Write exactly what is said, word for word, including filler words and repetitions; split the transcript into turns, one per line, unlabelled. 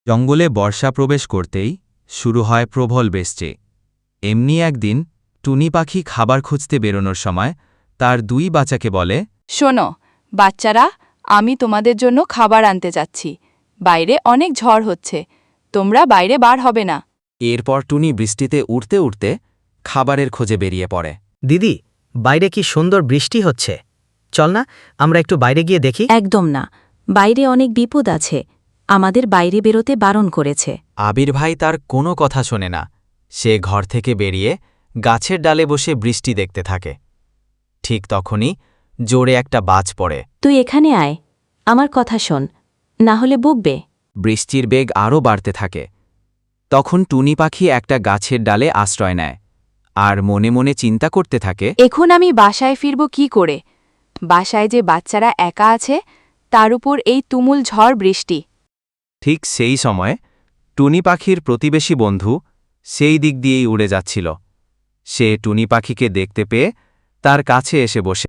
জঙ্গলে বর্ষা প্রবেশ করতেই শুরু হয় প্রবল বৃষ্টি। এমনি একদিন টুনি পাখি খাবার খুঁজতে বেরোনোর সময় তার দুই বাচ্চাকে বলে,
শোনো বাচ্চারা, আমি তোমাদের জন্য খাবার আনতে যাচ্ছি। বাইরে অনেক ঝড় হচ্ছে, তোমরা বাইরে বার হবে না।
এরপর টুনি বৃষ্টিতে উড়তে উড়তে খাবারের খোঁজে বেরিয়ে পড়ে।
দিদি, বাইরে কি সুন্দর বৃষ্টি হচ্ছে, চল না আমরা একটু বাইরে গিয়ে দেখি।
একদম না, বাইরে অনেক বিপদ আছে, আমাদের বাইরে বেরোতে বারণ করেছে।
আবির ভাই তার কোনো কথা শোনে না। সে ঘর থেকে বেরিয়ে গাছের ডালে বসে বৃষ্টি দেখতে থাকে। ঠিক তখনই জোরে একটা বাজ পড়ে।
তুই এখানে আয়, আমার কথা শোন, না হলে বকবে।
বৃষ্টির বেগ আরও বাড়তে থাকে। তখন টুনি পাখি একটা গাছের ডালে আশ্রয় নেয় আর মনে মনে চিন্তা করতে থাকে,
এখন আমি বাসায় ফিরব কি করে? বাসায় যে বাচ্চারা একা আছে, তার উপর এই তুমুল ঝড় বৃষ্টি।
ঠিক সেই সময় টুনি পাখির প্রতিবেশী বন্ধু সেই দিক দিয়েই উড়ে যাচ্ছিল। সে টুনি পাখিকে দেখতে পেয়ে তার কাছে এসে বসে